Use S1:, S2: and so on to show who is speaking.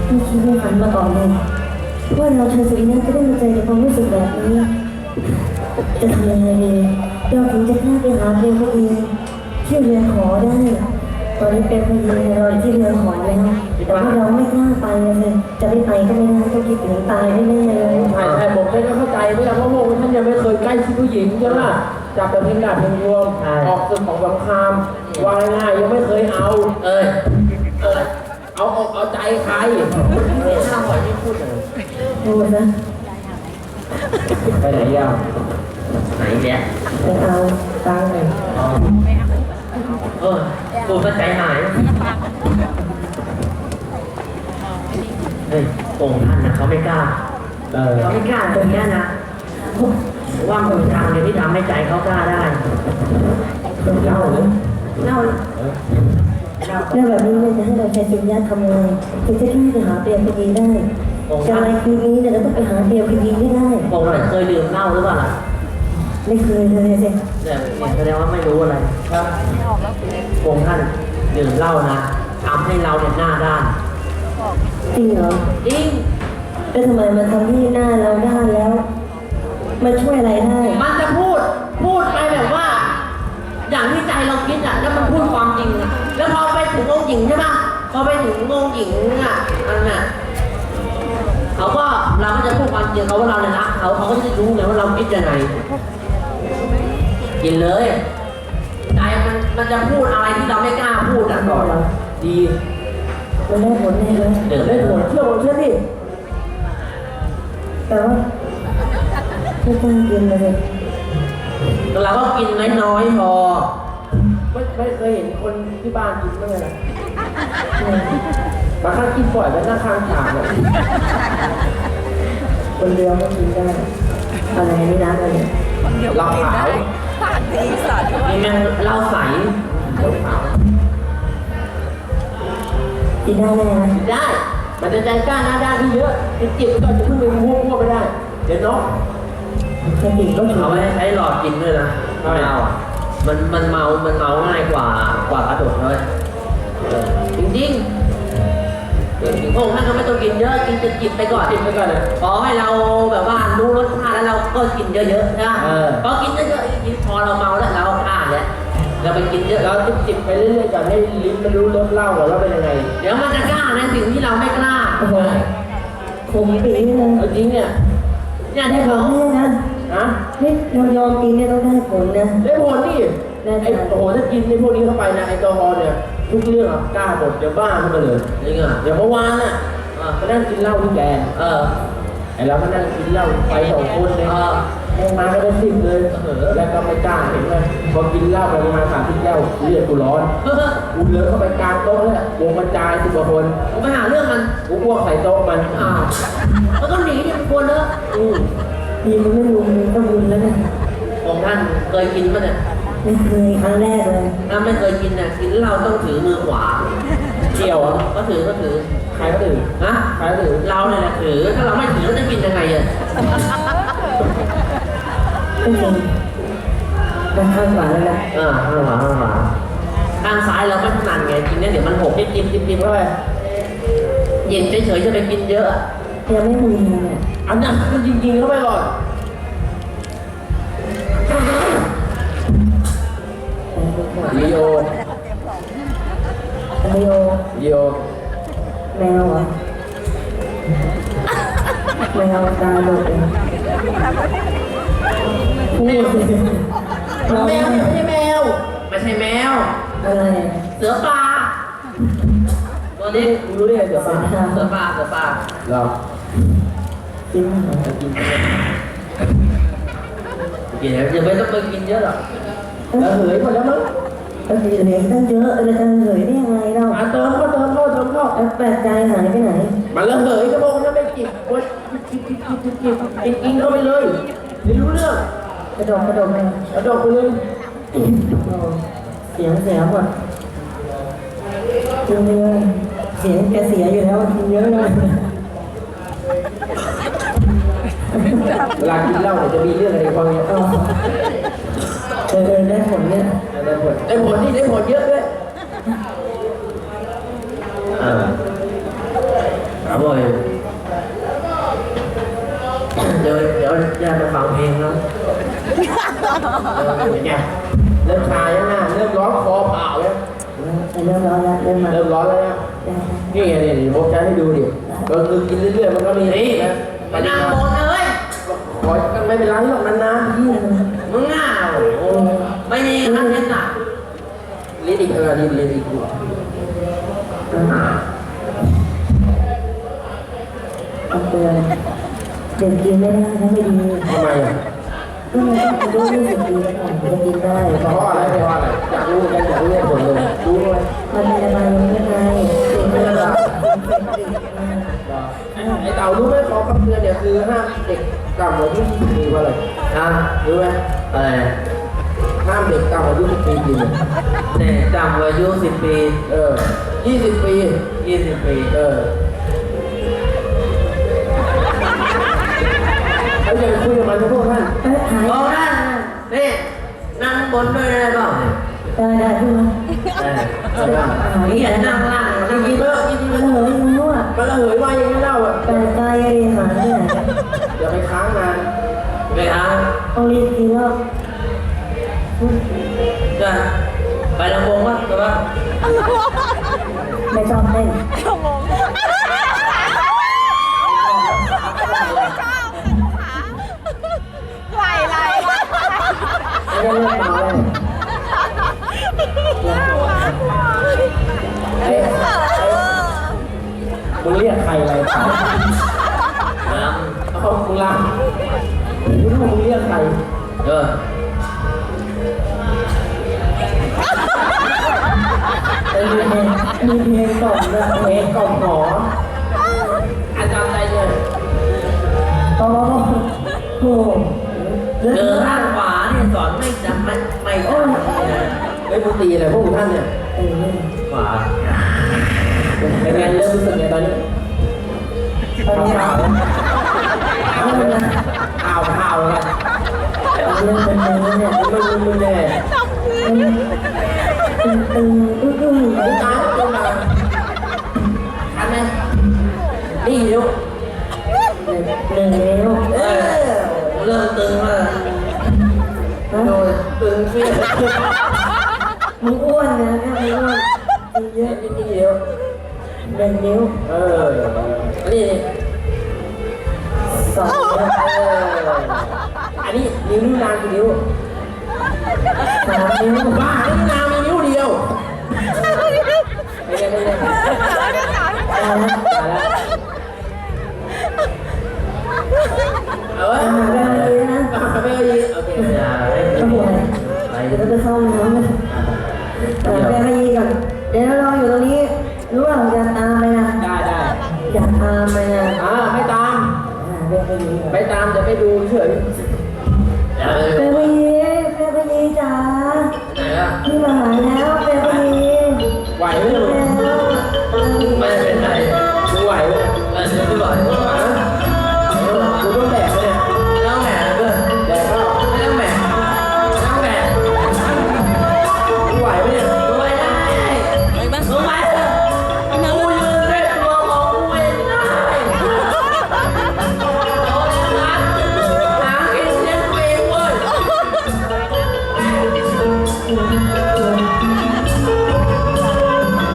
S1: ไม่คิดไม่ฝันมาก่อนเลยว่าเราชายสุริยะจะได้มาเจอในความรู้สึกแบบนี้จะทำยังไงดีเราถึงจะกล้าไปหาเพียงคนเดียวที่เรือนหอได้ตอนนี้เป็นพยีเราที่เรือนหอแล้วแต่ว่าเราไม่กล้าไปเลยจะไม่ไปก็ไม่ได้ต้องคิดถึงตายแน่ๆเลย
S2: ใช่ผมไม่เข้าใจไม่รู้เพราะพวกท่านยังไม่เคยใกล้ชิดผู้หญิงใช่ไหมจับแต่เพียงดาบเพียงรวมออกศึกของสงครามวางง่ายยังไม่เคยเอาเอาใจใครเนี่ยห้ามปล่อยไม่พูดเลย
S1: พูดนะ
S2: ไปไหนยาวไหนเนี่ย
S1: ไปเอาตังค์หน่อย
S2: กูก็ใจหายเฮ้ยองค์ท่านนะเขาไม่กล้าเขาไม่กล้าตรงนี้นะว่ามือทางเดียวที่ทำให้ใจเขากล้าได้เล่าเลยเล่า
S1: เรื่องแบบนี้เนี่ยจะให้เราชายสุริยะทำไงถึงจะกล้าไปหาเปรียบพยีได้จะอะไรคืนนี้เนี่ยเราต้องไปหาเปรียบพยีไม่ได้
S2: องค์ไหนเคยดื่มเหล้าหรือเปล่าล่ะ
S1: ไม่เคยเลยสิ
S2: เนี่ยแสดงว่าไม่รู้อะไรครับองค์ท่านดื่มเหล้านะทำให้เราเนี่ยหน้าด้าน
S1: จริงเหรอ
S2: จริง
S1: แล้วทำไมมันทำให้หน้าเราด้านแล้วมันช่วยอะไรได้
S2: มันจะพูดไปแบบว่า อย่างที่ใจเราคิดอ่ะแล้วมันพูดความจริงอ่ะแล้วพอไปถึงองค์หญิงใช่ปะพอไปถึงองค์หญิงอ่ะอันน่ะเราก็จะพูดความจริงเขาว่าเราเนี่ยรักเขาก็จะรู้ไงว่าเราคิดยังไงกินเลยใจมันจะพูดอะไรที่เราไม่กล้าพูดอ่ะก่อนดี
S1: มันได้ผลแน่เลย
S2: เดี๋ยวได้ผลเชื่อดิ
S1: แต่ว่าไม่กล้ากินเลย
S2: เราก็กินน้อยๆพอไม่เคยเห็นคนที่บ้านกินเมื่อไหร่บางครั้งกินบ่อยแล้วหน้าข้างฉากเลย
S1: คนเดียวก็กินได้อะไรนี่นะอะไร
S2: เราขาวนี่แม่งเหล้าใสเราขาว
S1: กินได้ไหม
S2: ได้ มันจะใจกล้าหน้าด้านที่เยอะจิบก็จะขึ้นไปมั่วไม่ได้ เดี๋ยวน้อง
S1: แค่กินก็ถือ
S2: เอาไว้ใช้หลอดกินด้วยนะไม่เอาอ่ะมันเมาง่ายกว่ากระโดดเลยจริงๆองค์ท่านก็ไม่ต้องกินเยอะกินจะจิบไปก่อนเลยขอให้เราแบบว่ารู้รสชาติแล้วเราก็กินเยอะๆนะพอกินเยอะๆกินพอเราเมาแล้วเราฆ่าแล้วเราไปกินเยอะเราจิบไปเรื่อยๆก่อนให้ลิ้นมันรู้รสเหล้าว่าเป็นยังไงเดี๋ยวมันจะกล้าในสิ่งที่เราไม่กล้า
S1: คงปีเลย
S2: จริงเนี่ย
S1: ได้ผลแน่นะ
S2: นะ
S1: นี่เรายอมกินเนี่ยต้องได้ผลนะ
S2: ได้ผลนี่ไอ้โอ้โหถ้ากินในพวกนี้เข้าไปนะไอ้แอลกอฮอล์เนี่ยทุกเรื่องกล้าหมดเดี๋ยวบ้าขึ้นมาเลยจริงอ่ะเดี๋ยวเมื่อวานน่ะไปนั่งกินเหล้าที่แกนไอ้เราก็นั่งกินเหล้าไป2 คนเลยมาก็เป็น10เลยแล้วก็ไม่กล้าเห็นไหมพอกินเหล้าไปประมาณ30 แก้วเลือดกูร้อนกูเลอะเข้าไปกลางโต๊ะเลยวงบรรจาย10 กว่าคนกูไปหาเรื่องมันกูพวกใส่โต๊ะมันแล้วก็หนีเนี่ยมันกลัวเลอะ
S1: ดีมันไม่รู้มันก็บุญแล้วนะ
S2: ของท่านเคยกินมั้ยเนี่ย
S1: ไม่เคยครั้งแรกเลย
S2: ถ้าไม่เคยกินเนี่ยกินเหล้าต้องถือมือขวาเกี่ยวก็ถือใครก็ถือนะใครก็ถือเราเนี่ยแหละถือถ้าเราไม่ถือเราจะกินยังไงอ่ะ
S1: ไม่จริงมันข้างขวาแล้วนะ
S2: ข้างขวาข้างซ้ายเราไม่ถนัดไงกินเนี่ยเดี๋ยวมันหกจิ้มเข้าไปเย็นเฉยๆจะไปกินเยอะ
S1: ยังไม่มีเลย
S2: อันนั้นมันจริงๆเข้าไปก่อนลีโอ
S1: แมวเหรอแมวตาโดดเลยพูดสิเรา
S2: แมวไม่ใช่แมว
S1: อะไร
S2: เสือป่าตัวนี้รู้ได้ไงเสือป่าเรา
S1: กิน
S2: กินอย่าไม่ต้องไปกินเยอะหรอกแล้วเหยหมดแล้วมั้ง
S1: ก็คือเหรียญตั้งเยอะเราจะเหยได้ยังไงเรา
S2: เติมเข้า
S1: แปลกใจหายไปไหน
S2: มันระเหยกระโปงนั่นไม่จิบกินเข้าไปเลยไม่รู้เรื่อง
S1: กระโดดไป
S2: กระโดดไปเลย
S1: เสียหมดจริงเลยเสียงแกเสียอยู่แล้วกินเยอะเลย
S2: เวลากินเหล้าจะมีเรื่องอะไรบ้างเนี่ย
S1: ได้ผลเนี่ย
S2: ได้ผลนี่ได้ผลเยอะด้วยครับผมยเดี๋ยวย่ามาฟังเพลงแล้วเป็นไงเริ่มชายังไงเริ่มร้อนคอเปล่าแล้ว
S1: เริ่มร้อนแล้วเริ่มมา
S2: เริ่มร้อนแล้วนะนี่ไงนี่ผมจะให้ดูดิก็คือกินเรื่อยๆมันก็มีนี่นะไปนั่งบนเลยขอไม่เป็นไรหรอกนานๆมึงง่าโอ้ไม่มีครับเล่นหนักลิ้นอีกลิ้นอีกดู
S1: เอาเตือนเด็กกินไม่ได้นะไม่ดี
S2: ทำไมอ่ะ
S1: ก็มันต้องอายุ20 ปีก่อนจะกินได้
S2: เพราะอะไรอยากรู้กันอยากรู้ผลเลยรู้เลย
S1: มันมีระบายยังไงเด็กไม่ได้
S2: ไอ้เต่ารู้ไหมขอคำเตือนเนี่ยคือห้ามเด็กต่ำกว่าอายุ10 ปีว่าอะไรรู้ไหมอะไรห้ามเด็กต่ำกว่าอายุ10 ปีกินเด็กต่ำกว่าอายุ10 ปี20 ปี20 ปีเขาจะคุยกับมันทุกท่าน
S1: หาย
S2: เอาได้นี่นั่งบนด้วยได้เปล่า
S1: ได้ขึ้นมา
S2: นี่อย่านั่งล่างนั่งกินเยอะกิน
S1: มันเหยแล้วอ่ะ
S2: มันระเหยว่ายังไม่เล่าอ่ะ
S1: แต่กายหาที่ไหน
S2: อย่าไปค้างนานไปค้าง
S1: ต้องรีบกินแล้ว
S2: จะไปลำวงวะหรือว่า
S1: ไม่ชอบเล่น
S3: ไหล
S1: ไม่ได้เล่นมาเลย
S2: มึงเรียกใครอะไรเอามึงลามึงเรียกใคร
S1: มีเพลงกล่อมด้วย
S2: เพลงกล่อมหออาจารย์ใจเลย
S1: โอ้โห
S2: เดินข้างขวาเนี่ยสอนไม่จำไม่โอ้ยไม่พูดตีอะไรพวกท่านเนี่ยขวาเป็นไงเริ่มรู้สึกไงตอนนี้
S1: ตอนนี้
S2: ข่าวแล้ว
S1: เรื่องเป็นเรื่องเนี่ย
S2: มึงแน่
S1: ตึงอึ้ง
S2: มึงตายแล้วมาทันไหมนี่เดี๋ยว
S1: เหนื่อยแล้ว
S2: เริ่มตึงแล้วโดนตึงเฟี้ย
S1: มึงอ้วนนะมึงอ้วนเยอะ
S2: นี่เดี๋ยว
S1: 1 นิ้ว
S2: นี่
S1: 2 นิ้ว
S2: อันนี้นิ้วนางกี่นิ้ว
S1: 3 นิ้ว
S2: บ้านิ้วนางมีนิ้วเดียวไม่ได้
S1: ตายแล้ว
S2: ไม่ดีโอเคอย่า
S1: ก็หัวไปเดี๋ยวจะเข้าน้ำนะไปให้ยีก่อนเดี๋ยวรออยู่ตรงนี้รู้ว่าอยากตามไปนะ
S2: ได้
S1: อยากตามไปนะ
S2: ไม่ตาม
S1: เรียกให้ยีก่อน
S2: ไม่ตามจะไปดูเฉย
S1: ส